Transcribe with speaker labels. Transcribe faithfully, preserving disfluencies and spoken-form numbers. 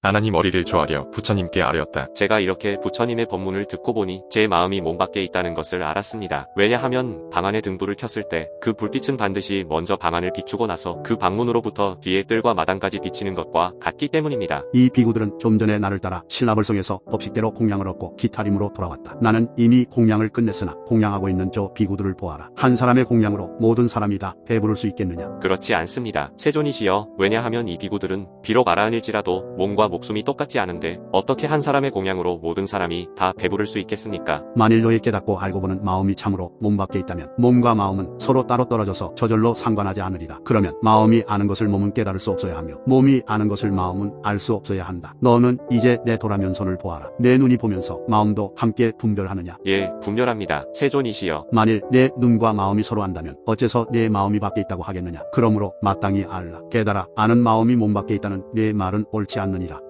Speaker 1: 아나니 머리를 조아려 부처님께 아뢰었다.
Speaker 2: 제가 이렇게 부처님의 법문을 듣고 보니 제 마음이 몸 밖에 있다는 것을 알았습니다. 왜냐하면 방안에 등불을 켰을 때 그 불빛은 반드시 먼저 방안을 비추고 나서 그 방문으로부터 뒤에 뜰과 마당까지 비치는 것과 같기 때문입니다.
Speaker 3: 이 비구들은 좀 전에 나를 따라 신라벌성에서 법식대로 공양을 얻고 기타림으로 돌아왔다. 나는 이미 공양을 끝냈으나 공양하고 있는 저 비구들을 보아라. 한 사람의 공양으로 모든 사람이 다 배부를 수 있겠느냐?
Speaker 2: 그렇지 않습니다. 세존이시여, 왜냐하면 이 비구들은 비록 아라한일지라도 몸과 목숨이 똑같지 않은데 어떻게 한 사람의 공양으로 모든 사람이 다 배부를 수 있겠습니까?
Speaker 3: 만일 너의 깨닫고 알고 보는 마음이 참으로 몸 밖에 있다면 몸과 마음은 서로 따로 떨어져서 저절로 상관하지 않으리라. 그러면 마음이 아는 것을 몸은 깨달을 수 없어야 하며 몸이 아는 것을 마음은 알 수 없어야 한다. 너는 이제 내 도라면선을 보아라. 내 눈이 보면서 마음도 함께 분별하느냐?
Speaker 2: 예, 분별합니다. 세존이시여.
Speaker 3: 만일 내 눈과 마음이 서로 안다면 어째서 내 마음이 밖에 있다고 하겠느냐? 그러므로 마땅히 알라. 깨달아. 아는 마음이 몸 밖에 있다는 내 말은 옳지 않느니라.